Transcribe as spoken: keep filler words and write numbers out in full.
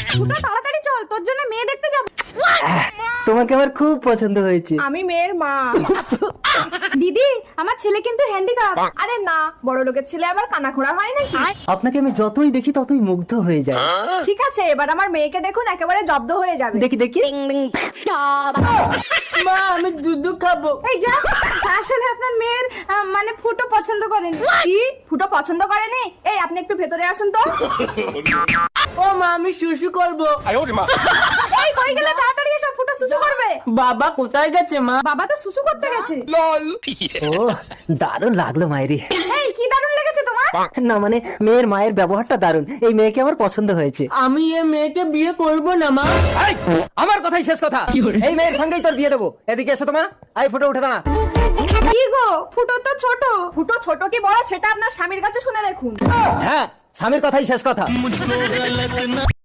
ফুটো তাড়াতাড়ি চল, তোর জন্য মেয়ে দেখতে যাব। তোমাকে আমার খুব পছন্দ হয়েছে। আমি মেয়ের মা। দিদি, আমার ছেলে কিন্তু হ্যান্ডিক্যাপ। আরে না, বড় লোকের ছেলে আবার কানাখোড়া হয় নাকি? আপনাকে আমি যতই দেখি ততই মুগ্ধ হয়ে যাই। ঠিক আছে, এবার আমার মেয়েকে দেখুন, একেবারে জব্দ হয়ে যাবে। দেখি দেখি। মা আমি দুধ খাবো। এই যা, আসলে আপনার মেয়ের আহ, মানে ফুটো পছন্দ করেন। কি ফুটো পছন্দ করেনি? এই আপনি একটু ভেতরে আসুন তো। ও মা আমি শুশু করবো। এই কই গেলে? তাড়াতাড়ি এসো, ফুটো সুসু করবে। বাবা কোথায় গেছে মা? বাবা তো সুসু করতে গেছে। ও দারুণ লাগলো মায়েরি। এই কি দারুণ লেগেছে তোমার? না মানে মেয়ের মায়ের ব্যবহারটা দারুণ, এই মেয়েকে আমার পছন্দ হয়েছে। আমি এ মেয়েকে বিয়ে করব না মা। এই, আমার কথাই শেষ কথা। এই মেয়ের সঙ্গেই তোর বিয়ে দেবো। এদিকে এসো তোমা, আই ফুটো উঠে দাঁড়া। কি গো, ফুটো তো ছোট। ফুটো ছোট কি বড় সেটা আপনার স্বামীর কাছে শুনে দেখুন। হ্যাঁ, স্বামীর কথাই শেষ কথা।